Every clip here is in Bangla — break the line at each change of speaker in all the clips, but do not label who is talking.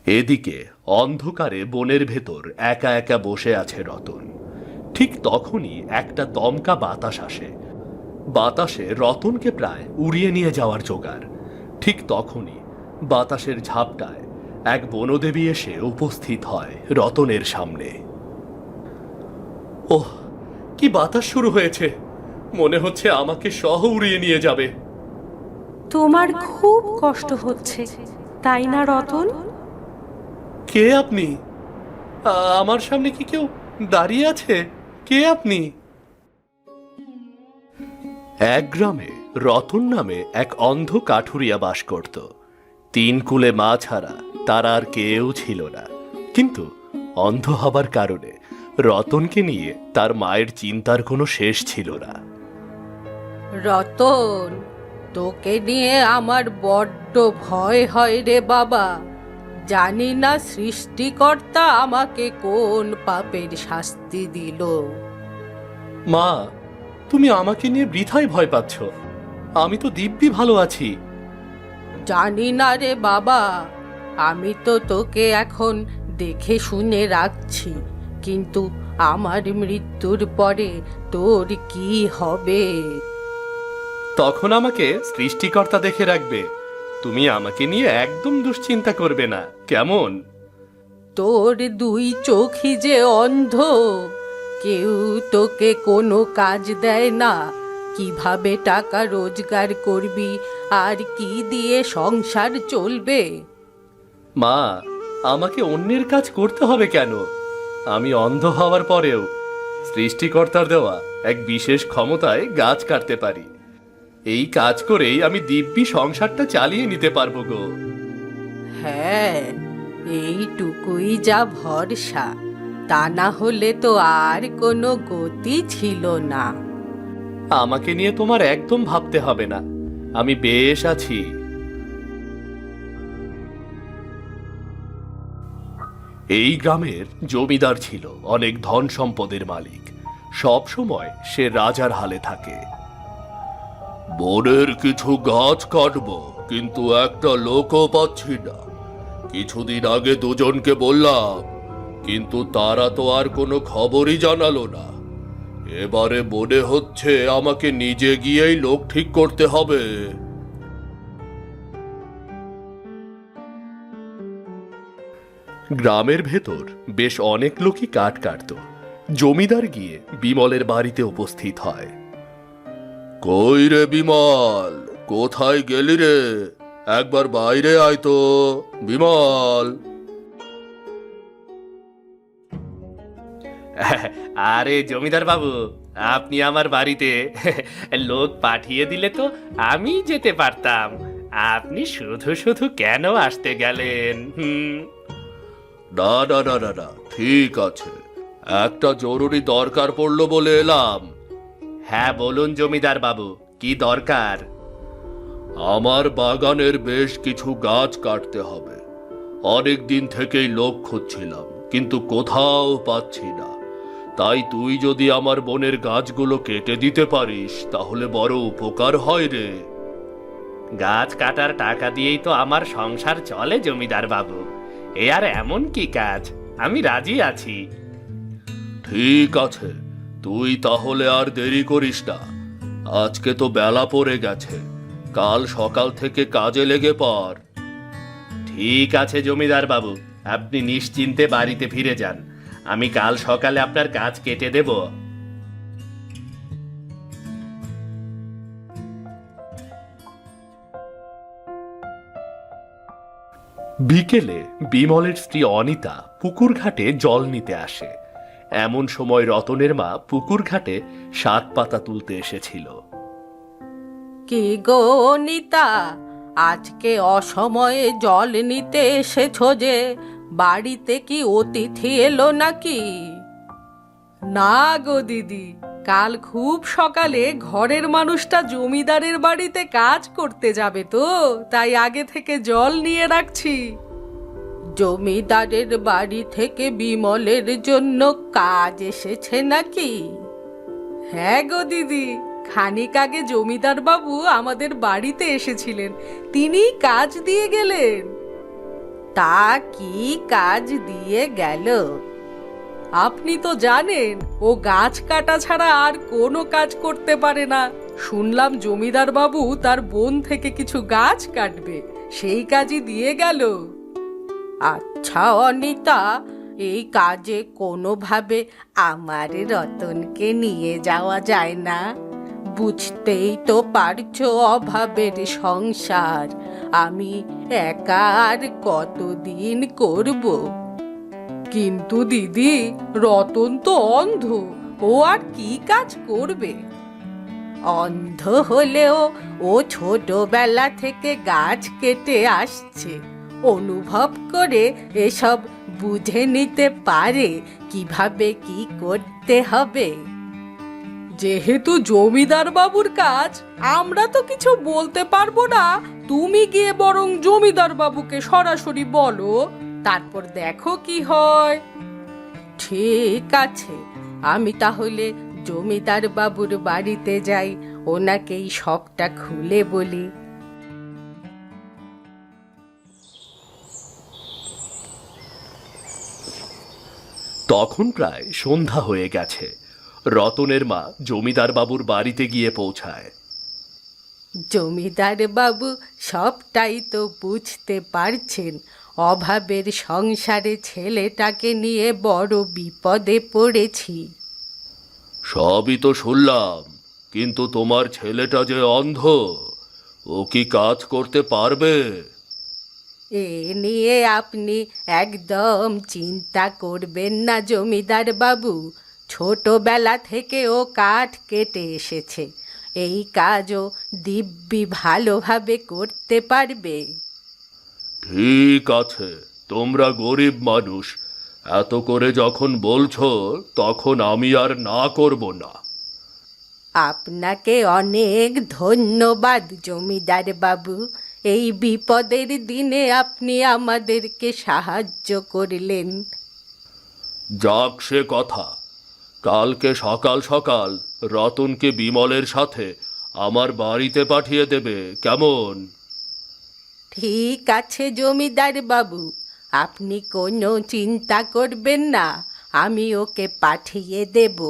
এদিকে অন্ধকারে বনের ভেতর একা একা বসে আছে রতন। ঠিক তখনই একটা দমকা বাতাস আসে। বাতাসে রতনকে প্রায় উড়িয়ে নিয়ে যাওয়ার জোগাড়। ঠিক তখনই বাতাসের ঝাপটায় এক বনদেবী এসে উপস্থিত হয় রতনের সামনে। ওহ, কি বাতাস শুরু হয়েছে! মনে হচ্ছে আমাকে সহ উড়িয়ে নিয়ে যাবে।
তোমার খুব কষ্ট হচ্ছে, তাই না রতন?
কে আপনি? আমার সামনে কি কেউ দাঁড়িয়ে আছে? কে আপনি? এক গ্রামে রতন নামে এক অন্ধ কাঠুরিয়া বাস করত। তিন কুলে মা ছাড়া তার আর কেউ ছিল না। কিন্তু অন্ধ হবার কারণে রতনকে নিয়ে তার মায়ের চিন্তার কোনো শেষ ছিল না।
রতন, তোকে নিয়ে আমার বড্ড ভয় হয় রে বাবা। জানি না সৃষ্টিকর্তা আমাকে কোন পাপের শাস্তি দিল।
মা, তুমি আমাকে নিয়ে বৃথায় ভয় পাচ্ছ। আমি তো দিব্যি ভালো আছি।
জানি না রে বাবা, আমি তো তোকে এখন দেখে শুনে রাখছি, কিন্তু আমার মৃত্যুর পরে তোর কি হবে?
তখন আমাকে সৃষ্টিকর্তা দেখে রাখবে। তুমি আমাকে নিয়ে একদম দুশ্চিন্তা করবে না, কেমন?
তোর দুই চোখই যে অন্ধ, কেউ তোকে কোনো কাজ দেয় না। কিভাবে টাকা রোজগার করবি আর কি দিয়ে সংসার চলবে?
মা, আমাকে অন্যের কাজ করতে হবে কেন? আমি অন্ধ হওয়ার পরেও সৃষ্টিকর্তার দেওয়া এক বিশেষ ক্ষমতায় গাছ কাটতে পারি। এই কাজ করেই আমি দিব্যি সংসারটা চালিয়ে নিতে পারবো গো।
হ্যাঁ, এইটুকুই যা ভরসা, তা না হলে তো আর কোনো গতি ছিল না।
আমাকে নিয়ে তোমার একদম ভাবতে হবে না, আমি বেশ আছি। এই গ্রামের জমিদার ছিল অনেক ধন সম্পদের মালিক। সব সময় সে রাজার হালে থাকে। বনের কিছু গাছ কাটবো, কিন্তু একটা লোকও পাচ্ছি না। কিছুদিন আগে দুজনকে বললাম, কিন্তু তারা তো আর কোনো খবরই জানালো না। এবারে মনে হচ্ছে আমাকে নিজে গিয়েই লোক ঠিক করতে হবে। গ্রামের ভেতর বেশ অনেক লোকই কাঠ কাটত। জমিদার গিয়ে বিমলের বাড়িতে উপস্থিত হয়। কই রে বিমল, কোথায় গেলি রে? একবার বাইরে আয় তো, বিমল। আরে জমিদার বাবু, আপনি আমার বাড়িতে লোক পাঠিয়ে দিলে তো আমি যেতে পারতাম। আপনি শুধু শুধু কেন আসতে গেলেন? না না না না না, ঠিক আছে, একটা জরুরি দরকার পড়লো বলে এলাম। হ্যাঁ বলুন জমিদার বাবু, কি দরকার? আমার বাগানের বেশ কিছু গাছ কাটতে হবে। অনেক দিন থেকেই লোক খুঁজছিলাম, কিন্তু কোথাও পাচ্ছি না। তাই তুই যদি আমার বনের গাছগুলো কেটে দিতে পারিস তাহলে বড় উপকার হয় রে। গাছ কাটার টাকা দিয়েই তো আমার সংসার চলে জমিদার বাবু। এ আর এমন কি কাজ, আমি রাজি আছি। ঠিক আছে, তুই তাহলে আর দেরি করিস না। আজকে তো বেলা পড়ে গেছে, কাল সকাল থেকে কাজে লেগে পড়। ঠিক আছে জমিদার বাবু, আপনি নিশ্চিন্তে বাড়িতে ফিরে যান। আমি কাল সকালে আপনার কাজ কেটে দেব। বিকেলে বিমলের স্ত্রী অনিতা পুকুর ঘাটে জল নিতে আসে। এমন সময় রতনের মা পুকুর ঘাটে শাক পাতা তুলতে এসেছিল।
কি গো অনিতা, আজকে অসময়ে জল নিতে এসেছো যে? বাড়িতে কি অতিথি এলো নাকি? না গো দিদি, কাল খুব সকালে ঘরের মানুষটা জমিদারের বাড়িতে কাজ করতে যাবে, তো তাই আগে থেকে জল নিয়ে রাখছি। জমিদারের বাড়ি থেকে বিমলের জন্য কাজ এসেছে নাকি? হ্যাঁ গো দিদি, খানিক আগে জমিদার বাবু আমাদের বাড়িতে এসেছিলেন, তিনি কাজ দিয়ে গেলেন। তা কি কাজ দিয়ে গেল? আপনি তো জানেন ও গাছ কাটা ছাড়া আর কোনো কাজ করতে পারে না। শুনলাম জমিদার বাবু তার বন থেকে কিছু গাছ কাটবে, সেই কাজই দিয়ে গেল। আচ্ছা অনিতা, এই কাজে কোনোভাবে আমার রতনকে নিয়ে যাওয়া যায় না? বুঝতেই তো পারছো অভাবের সংসার, আমি একা আর কতদিন করব? কিন্তু দিদি, রতন তো অন্ধ, ও আর কি কাজ করবে? অন্ধ হলেও ও ছোটবেলা থেকে গাছ কেটে আসছে, অনুভব করে এসব বুঝে নিতে পারে কিভাবে কি করতে হবে। যেহেতু জমিদার বাবুর কাজ, আমরা তো কিছু বলতে পারবো না। তুমি গিয়ে বরং জমিদার বাবুকে সরাসরি বলো, তারপর দেখো কি হয়। ঠিক আছে, আমি তাহলে জমিদার বাবুর বাড়িতে যাই, ওনাকেই সবটা খুলে বলি।
তখন প্রায় সন্ধ্যা হয়ে গেছে। রতনের মা জমিদার বাবুর বাড়িতে গিয়ে পৌঁছায়।
জমিদার বাবু সবটাই তো বুঝতে পারছেন, অভাবের সংসারে ছেলেটাকে নিয়ে বড় বিপদে পড়েছি।
সবই তো শুনলাম, কিন্তু তোমার ছেলেটা যে অন্ধ, ও কি কাজ করতে পারবে?
এ নিয়ে আপনি একদম চিন্তা করবেন না জমিদার বাবু। ছোটবেলা থেকে ও কাঠ কেটে এসেছে, এই কাজও দিব্যি ভালোভাবে করতে পারবে।
ঠিক আছে, তোমরা গরিব মানুষ, এত করে যখন বলছো তখন আমি আর না করব না।
আপনাকে অনেক ধন্যবাদ জমিদার বাবু, এই বিপদের দিনে আপনি আমাদেরকে সাহায্য করলেন।
যাক সে কথা, কালকে সকাল সকাল রতনকে বিমলের সাথে আমার বাড়িতে পাঠিয়ে দেবে, কেমন?
ঠিক আছে জমিদার বাবু, আপনি কোনো চিন্তা করবেন না, আমি ওকে পাঠিয়ে দেব।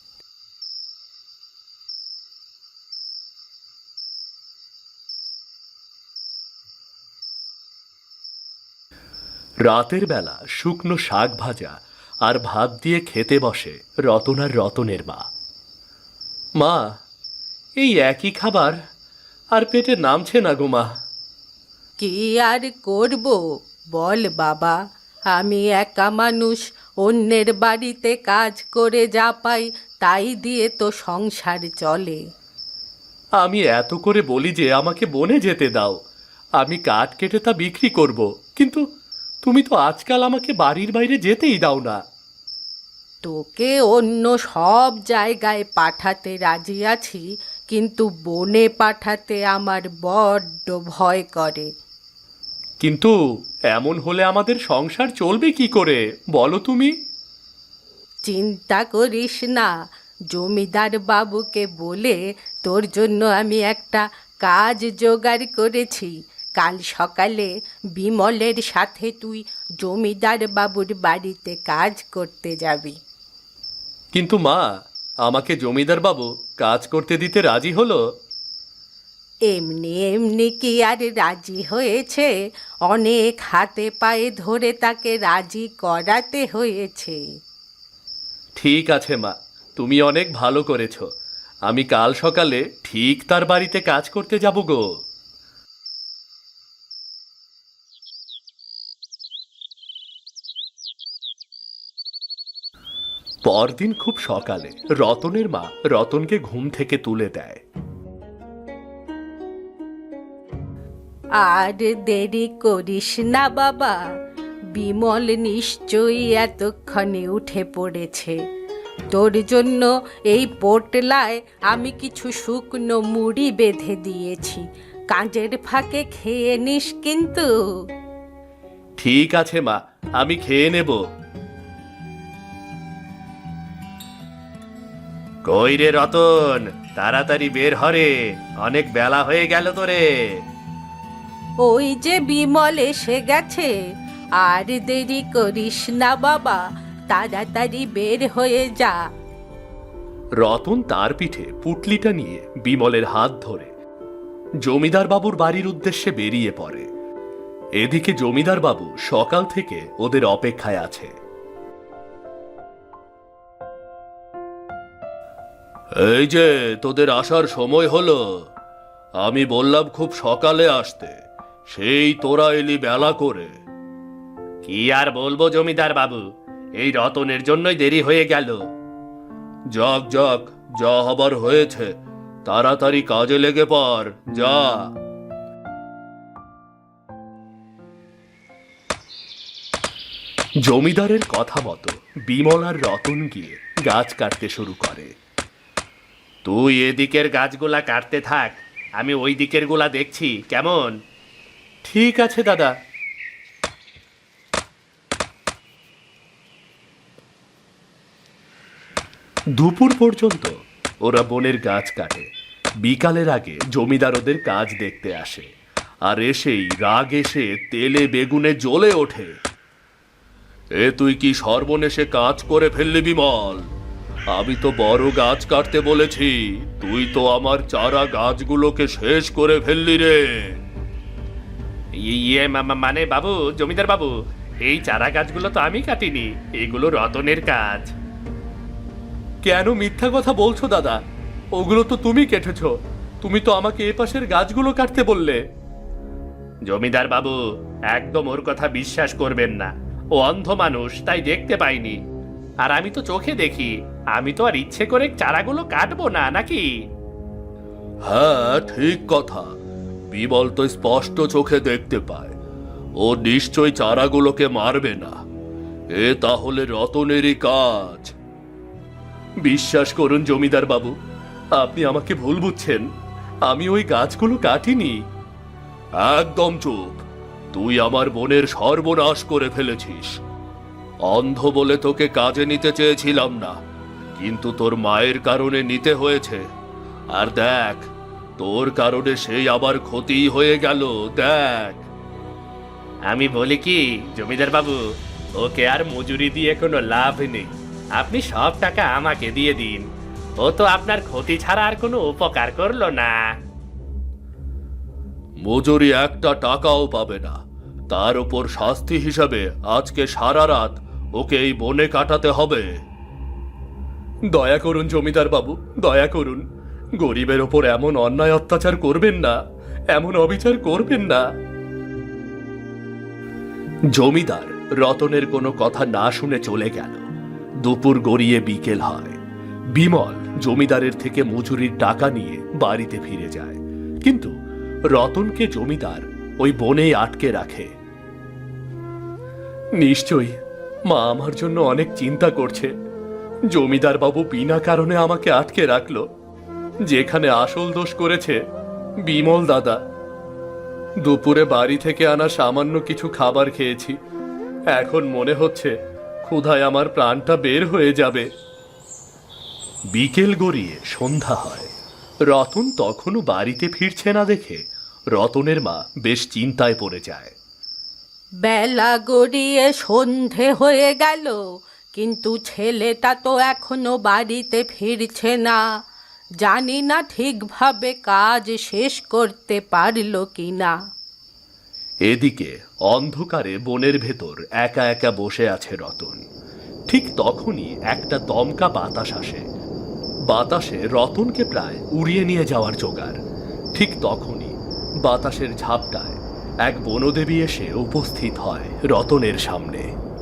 রাতের বেলা শুকনো শাক ভাজা আর ভাত দিয়ে খেতে বসে রতন আর রতনের মা। মা, এই একই খাবার আর পেটে নামছে না গো মা।
কি আর করব বল বাবা, আমি একা মানুষ, অন্যের বাড়িতে কাজ করে যা পাই তাই দিয়ে তো সংসার চলে।
আমি এত করে বলি যে আমাকে বনে যেতে দাও, আমি কাঠ কেটে তা বিক্রি করব, কিন্তু তুমি তো আজকাল আমাকে বাড়ির বাইরে যেতেই দাও না।
তোকে অন্য সব জায়গায় পাঠাতে রাজি আছি, কিন্তু বনে পাঠাতে আমার বড্ড ভয় করে।
কিন্তু এমন হলে আমাদের সংসার চলবে কি করে বলো তুমি?
চিন্তা করিস না, জমিদার বাবুকে বলে তোর জন্য আমি একটা কাজ জোগাড় করেছি। কাল সকালে বিমলের সাথে তুই জমিদার বাবুর বাড়িতে কাজ করতে যাবি।
কিন্তু মা, আমাকে জমিদার বাবু কাজ করতে দিতে রাজি হলো?
এমনি এমনি কি আর রাজি হয়েছে? অনেক হাতে পায়ে ধরে তাকে রাজি করাতে হয়েছে।
ঠিক আছে মা, তুমি অনেক ভালো করেছো, আমি কাল সকালে ঠিক তার বাড়িতে কাজ করতে যাব গো। পরদিন খুব সকালে রতনের মা রতনকে ঘুম থেকে তুলে দেয়।
আর দেরি করিস না বাবা, বিমল নিশ্চয়ই এতক্ষণে উঠে পড়েছে। তোর জন্য এই পোটলায় আমি কিছু শুকনো মুড়ি বেঁধে দিয়েছি, কাজের ফাঁকে খেয়ে নিস কিন্তু।
ঠিক আছে মা, আমি খেয়ে নেব। কই রে রতন, তাড়াতাড়ি বের হরে, অনেক বেলা হয়ে গেল তোরে।
ওই যে বিমল এসে গেছে, আর দেরি করিস না বাবা, তাড়াতাড়ি বের হয়ে যা।
রতন তার পিঠে পুটলিটা নিয়ে বিমলের হাত ধরে জমিদার বাবুর বাড়ির উদ্দেশ্যে বেরিয়ে পড়ে। এদিকে জমিদার বাবু সকাল থেকে ওদের অপেক্ষায় আছে। এই যে তোদের আসার সময় হলো, আমি বললাম খুব সকালে আসতে, সেই তোরা এলি বেলা করে। কি আর বলবো জমিদার বাবু, এই রতনের জন্যই দেরি হয়ে গেল। যাক যাক, যা হবার হয়েছে, তাড়াতাড়ি কাজে লেগে পড়, যা। জমিদারের কথা মতো বিমল আর রতন গিয়ে গাছ কাটতে শুরু করে। তুই এদিকের গাছগুলা কাটতে থাক, আমি ওই দিকের গুলা দেখছি, কেমন? ঠিক আছে দাদা। দুপুর পর্যন্ত ওরা বনের গাছ কাটে। বিকালের আগে জমিদার ওদের কাজ দেখতে আসে, আর এসেই রাগ এসে তেলে বেগুনে জ্বলে ওঠে। এ তুই কি সর্বনেশে কাজ করে ফেললি বিমল? আমি তো বড় গাছ কাটতে বলেছি, তুই তো আমার চারা গাছগুলোকে শেষ করে ফেললি রে। ইয়ে মানে বাবু, জমিদার বাবু, এই চারা গাছগুলো তো আমি কাটিনি, এগুলো রতনের কাজ। কেন মিথ্যা কথা বলছো দাদা? ওগুলো তো তুমি কেটেছ, তুমি তো আমাকে এ পাশের গাছগুলো কাটতে বললে। জমিদার বাবু, একদম ওর কথা বিশ্বাস করবেন না, ও অন্ধ মানুষ, তাই দেখতে পাইনি। আর আমি তো চোখে দেখি, আমি তো আর ইচ্ছে করে চারাগুলো কাটবো না, নাকি? হ্যাঁ ঠিক কথা, বিমল তো স্পষ্ট চোখে দেখতে পায়, ও নিশ্চয় চারাগুলোকে মারবে না। এ তাহলে রতনেরই কাজ। বিশ্বাস করুন জমিদার বাবু, আপনি আমাকে ভুল বুঝছেন, আমি ওই গাছগুলো কাটিনি। একদম চুপ, তুই আমার বোনের সর্বনাশ করে ফেলেছিস। অন্ধ বলে তোকে কাজে নিতে চেয়েছিলাম না, কিন্তু তোর মায়ের কারণে নিতে হয়েছে। আর দেখ, তোর কারণে সেই আবার ক্ষতি হয়ে গেল, দেখ। আমি বলি কি জমিদার বাবু, ওকে আর মজুরি দিয়ে কোনো লাভ নেই, আপনি সব টাকা আমাকে দিয়ে দিন, ও তো আপনার ক্ষতি ছাড়া আর কোনো উপকার করলো না। মজুরি একটা টাকাও পাবে না, তার উপর শাস্তি হিসাবে আজকে সারা রাত ওকে এই বনে কাটাতে হবে। দয়া করুন জমিদার বাবু, দয়া করুন, গরিবের ওপর এমন অন্যায় অত্যাচার করবেন না, এমন অবিচার করবেন না। জমিদার রতনের কোনো কথা না শুনে চলে গেল। দুপুর গড়িয়ে বিকেল হয়। বিমল জমিদারের থেকে মজুরির টাকা নিয়ে বাড়িতে ফিরে যায়, কিন্তু রতনকে জমিদার ওই বনেই আটকে রাখে। নিশ্চয়ই মা আমার জন্য অনেক চিন্তা করছে, জমিদার বাবু বিনা কারণে আমাকে আটকে রাখলো। যেখানে আসল দোষ করেছে বিমল দাদা। দুপুরে বাড়ি থেকে আনা সামান্য কিছু খাবার খেয়েছি, এখন মনে হচ্ছে ক্ষুধায় আমার প্রাণটা বের হয়ে যাবে। বিকেল গড়িয়ে সন্ধ্যা হয়। রতন তখনও বাড়িতে ফিরছে না দেখে রতনের মা বেশ চিন্তায় পড়ে যায়।
বেলা গড়িয়ে সন্ধে হয়ে গেল, কিন্তু ছেলেটা তো এখনো বাড়িতে ফিরছে না। জানি না ঠিকভাবে কাজ শেষ করতে পারলো কিনা।
এদিকে অন্ধকারে বনের ভেতর একা একা বসে আছে রতন। ঠিক তখনই একটা দমকা বাতাস আসে। বাতাসে রতনকে প্রায় উড়িয়ে নিয়ে যাওয়ার জোগাড়। ঠিক তখনই বাতাসের ঝাপটায় এক বনদেবী এসে উপস্থিত হয় রতনের সামনে।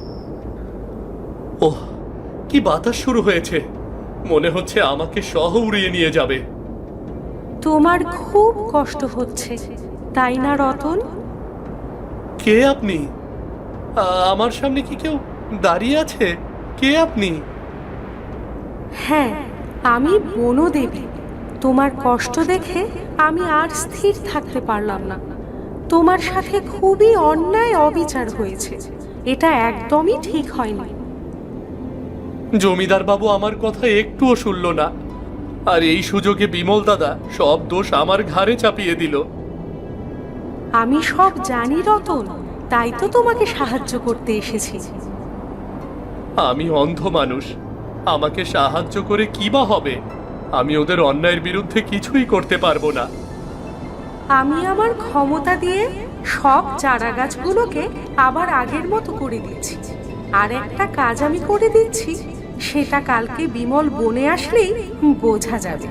ওহ, কি বাতাস শুরু হয়েছে, মনে হচ্ছে আমাকে সহ উড়িয়ে নিয়ে যাবে।
তোমার খুব কষ্ট হচ্ছে, তাই না রতন?
কে আপনি? আমার সামনে কি কেউ দাঁড়িয়ে আছে? কে আপনি?
হ্যাঁ, আমি বনদেবী। তোমার কষ্ট দেখে আমি আর স্থির থাকতে পারলাম না। তোমার সাথে খুবই অন্যায় অবিচার হয়েছে, এটা একদমই ঠিক হয়নি।
জমিদার বাবু আমার কথা একটুও শুনল না, আর এই সুযোগে বিমল দাদা সব দোষ আমার ঘাড়ে চাপিয়ে দিল।
আমি সব জানি রতন, তাই তো তোমাকে সাহায্য করতে এসেছি।
আমি অন্ধ মানুষ, আমাকে সাহায্য করে কি বা হবে? আমি ওদের অন্যায়ের বিরুদ্ধে কিছুই করতে পারবো না।
আমি আমার ক্ষমতা দিয়ে সব চারা গাছগুলোকে আবার আগের মতো করে দিচ্ছি। আর একটা কাজ আমি করে দিচ্ছি, সেটা কালকে বিমল বনে আসলেই বোঝা যাবে।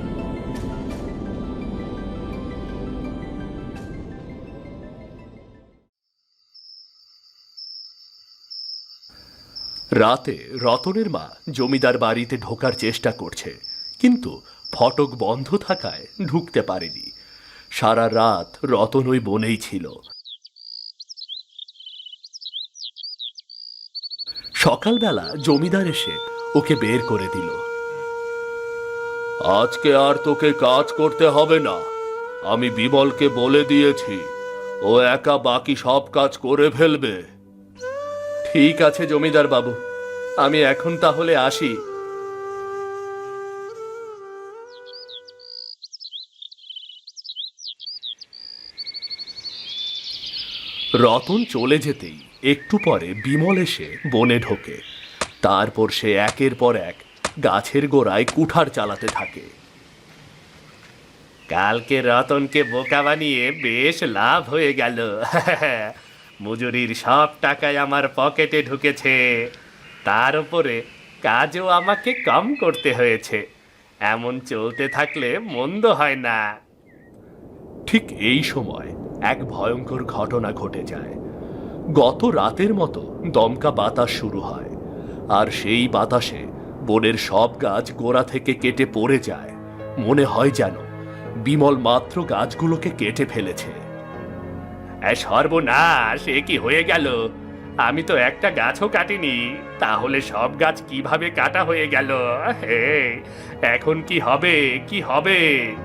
রাতে রতনের মা জমিদার বাড়িতে ঢোকার চেষ্টা করছে, কিন্তু ফটক বন্ধ থাকায় ঢুকতে পারেনি। সারা রাত রতন ওই বনেই ছিল। সকালবেলা জমিদার এসে ওকে বের করে দিল। আজকে আর তোকে কাজ করতে হবে না, আমি বিমলকে বলে দিয়েছি, ও একা বাকি সব কাজ করে ফেলবে। ঠিক আছে জমিদার বাবু, আমি এখন তাহলে আসি। রতন চলে যেতেই একটু পরে বিমল এসে বনে ঢোকে। তারপর সে একের পর এক গাছের গোড়ায় কুঠার চালাতে থাকে। কালকে রতনকে বোকা বানিয়ে বেশ লাভ হয়ে গেল। মজুরির সব টাকায় আমার পকেটে ঢুকেছে, তার উপরে কাজও আমাকে কম করতে হয়েছে। এমন চলতে থাকলে মন্দ হয় না। ঠিক এই সময় এক ভয়ঙ্কর ঘটনা ঘটে যায়। গত রাতের মতো দমকা বাতাস শুরু হয়, আর সেই বাতাসে বনের সব গাছ গোড়া থেকে কেটে পড়ে যায়। মনে হয় যেন বিমল মাত্র গাছগুলোকে কেটে ফেলেছে। সর্বনাশ, এ কি হয়ে গেল? আমি তো একটা গাছও কাটিনি, তাহলে সব গাছ কিভাবে কাটা হয়ে গেল? হে, এখন কি হবে, কি হবে?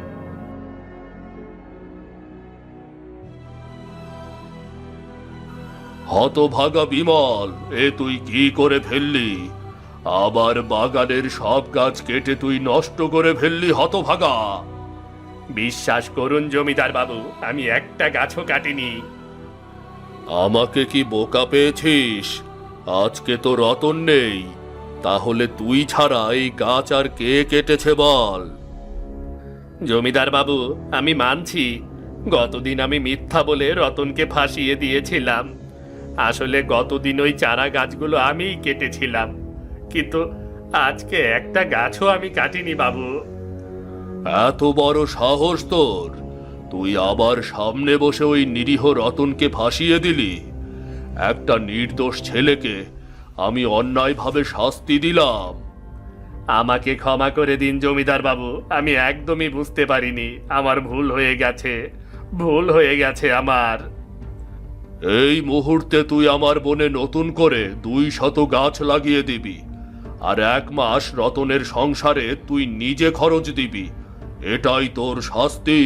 হতভাগা বিমল, এ তুই কি করে ফেললি? আবার বাগানের সব গাছ কেটে তুই নষ্ট করে ফেললি হতভাগা। বিশ্বাস করুন জমিদার বাবু, আমি একটা গাছও কাটিনি। আমাকে কি বোকা পেয়েছিস? আজকে তো রতন নেই, তাহলে তুই ছাড়া এই গাছ আর কে কেটেছে বল? জমিদার বাবু, আমি মানছি গতদিন আমি মিথ্যা বলে রতনকে ফাঁসিয়ে দিয়েছিলাম। আসলে গতদিন ওই চারা গাছগুলো আমিই কেটেছিলাম, কিন্তু আজকে একটা গাছও আমি কাটিনি বাবু। এত বড় সাহস তোর! তুই আবার সামনে বসে ওই নিরীহ রতনকে ফাঁসিয়ে দিলি। একটা নির্দোষ ছেলেকে আমি অন্যায়ভাবে শাস্তি দিলাম। আমাকে ক্ষমা করে দিন জমিদার বাবু, আমি একদমই বুঝতে পারিনি। আমার ভুল হয়ে গেছে, ভুল হয়ে গেছে আমার। এই মুহূর্তে তুই আমার বনে নতুন করে 200 গাছ লাগিয়ে দিবি, আর 1 মাস রতনের সংসারে তুই নিজে খরচ দিবি। এটাই তোর শাস্তি।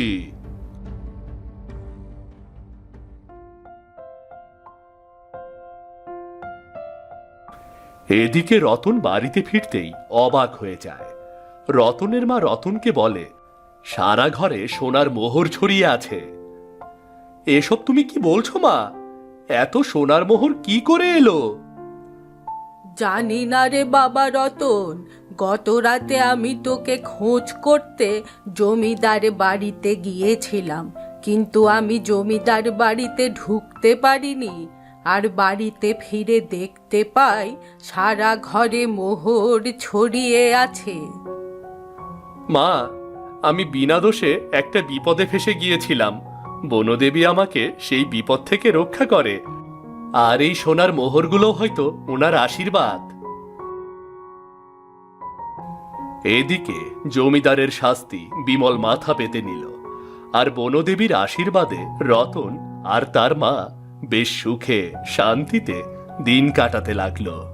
এদিকে রতন বাড়িতে ফিরতেই অবাক হয়ে যায়। রতনের মা রতনকে বলে, সারা ঘরে সোনার মোহর ছড়িয়ে আছে। এসব তুমি কি বলছো মা? এত সোনার মোহর কি করে এলো?
জানি না রে বাবা রতন, গত রাতে আমি তোকে খোঁজ করতে জমিদার বাড়িতে গিয়েছিলাম, কিন্তু আমি জমিদার বাড়িতে ঢুকতে পারিনি। আর বাড়িতে ফিরে দেখতে পাই সারা ঘরে মোহর ছড়িয়ে আছে।
মা, আমি বিনা দোষে একটা বিপদে ফেসে গিয়েছিলাম। বনদেবী আমাকে সেই বিপদ থেকে রক্ষা করে, আর এই সোনার মোহরগুলো হয়তো ওনার আশীর্বাদ। এদিকে জমিদারের শাস্তি বিমল মাথা পেতে নিল, আর বনদেবীর আশীর্বাদে রতন আর তার মা বেশ সুখে শান্তিতে দিন কাটাতে লাগলো।